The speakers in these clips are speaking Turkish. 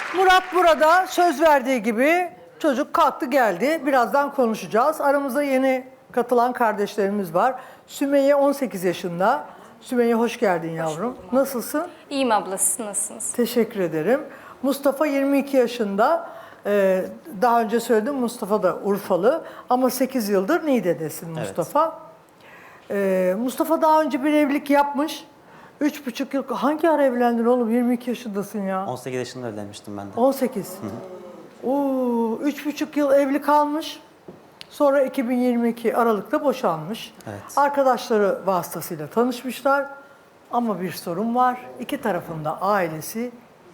Murat burada söz verdiği gibi çocuk kalktı geldi. Birazdan konuşacağız. Aramızda yeni katılan kardeşlerimiz var. Sümeyye 18 yaşında. Sümeyye hoş geldin yavrum. Nasılsın? İyiyim abla, siz nasılsınız? Teşekkür ederim. Mustafa 22 yaşında. Daha önce söyledim, Mustafa da Urfalı. Ama 8 yıldır Niğde'desin Mustafa. Mustafa daha önce bir evlilik yapmış. 3,5 yıl. Hangi ara evlendin oğlum? 22 yaşındasın ya. 18 yaşında evlenmiştim ben de. 18. Oo, 3,5 yıl evli kalmış. Sonra 2022 Aralık'ta boşanmış. Evet. Arkadaşları vasıtasıyla tanışmışlar. Ama bir sorun var. İki tarafında ailesi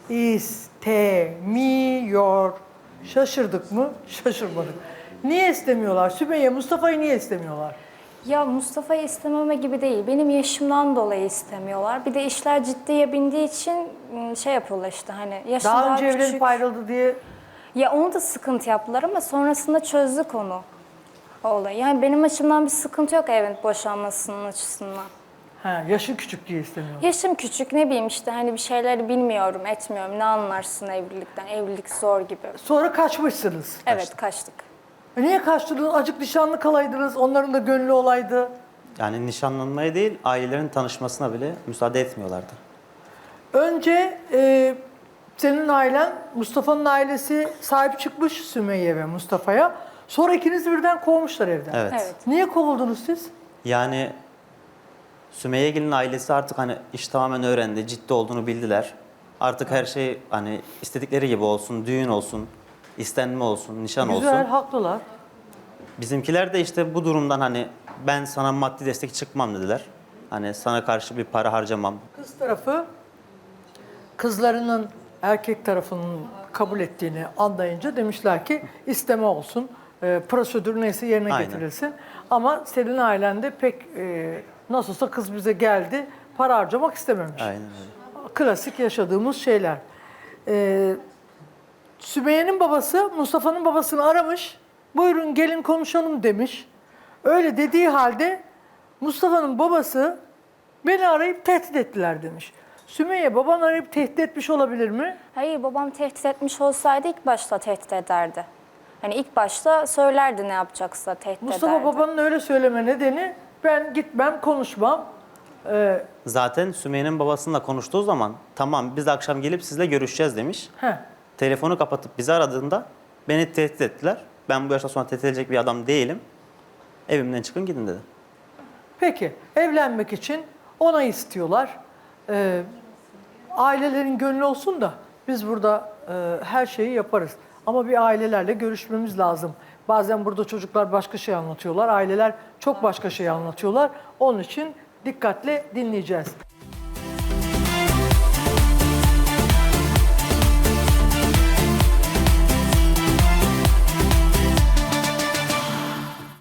istemiyor. Şaşırdık mı? Şaşırmadık. Niye istemiyorlar? Sümeyye, Mustafa'yı niye istemiyorlar? Ya Mustafa'yı istememe gibi değil. Benim yaşımdan dolayı istemiyorlar. Bir de işler ciddiye bindiği için şey yapıyorlar işte hani yaşım Daha önce küçük. evlenip ayrıldı diye. Ya onu da sıkıntı yaptılar ama sonrasında çözdük onu. O olayı. Yani benim açımdan bir sıkıntı yok evin boşanmasının açısından. Ha, yaşın küçük diye istemiyor. Yaşım küçük, ne bileyim işte hani bir şeyleri bilmiyorum, etmiyorum. Ne anlarsın evlilikten? Evlilik zor gibi. Sonra kaçmışsınız. Evet, kaçtık. Niye kaçtınız? Acık nişanlı kalaydınız. Onların da gönlü olaydı. Yani nişanlanmaya değil, ailelerin tanışmasına bile müsaade etmiyorlardı. Önce senin ailen, Mustafa'nın ailesi sahip çıkmış Sümeyye ve Mustafa'ya. Sonra ikiniz birden kovmuşlar evden. Evet. Evet. Niye kovuldunuz siz? Yani Sümeyye'gil'in ailesi artık hani iş tamamen öğrendi, ciddi olduğunu bildiler. Artık her şey hani istedikleri gibi olsun, düğün olsun, istenme olsun, nişan Güzel, olsun. haklılar. Bizimkiler de işte bu durumdan hani ben sana maddi destek çıkmam dediler. Hani sana karşı bir para harcamam. Kız tarafı kızlarının erkek tarafının kabul ettiğini anlayınca demişler ki isteme olsun, prosedür neyse yerine Aynen. getirilsin. Ama senin ailen de pek nasılsa kız bize geldi, para harcamak istememiş. Aynen öyle. Klasik yaşadığımız şeyler. Sümeyye'nin babası Mustafa'nın babasını aramış. Buyurun gelin konuşalım demiş. Öyle dediği halde Mustafa'nın babası beni arayıp tehdit ettiler demiş. Sümeyye, baban arayıp tehdit etmiş olabilir mi? Hayır, babam tehdit etmiş olsaydı ilk başta tehdit ederdi. Hani ilk başta söylerdi ne yapacaksa, tehdit Mustafa ederdi. babanın öyle söyleme nedeni ben gitmem, konuşmam. Zaten Sümeyye'nin babasıyla konuştuğu zaman tamam biz akşam gelip sizle görüşeceğiz demiş. Heh. Telefonu kapatıp bizi aradığında beni tehdit ettiler. Ben bu yaştan sonra tehdit edecek bir adam değilim. Evimden çıkın gidin dedi. Peki, evlenmek için onay istiyorlar. Ailelerin gönlü olsun da biz burada her şeyi yaparız. Ama bir ailelerle görüşmemiz lazım. Bazen burada çocuklar başka şey anlatıyorlar, aileler çok başka şey anlatıyorlar. Onun için dikkatle dinleyeceğiz.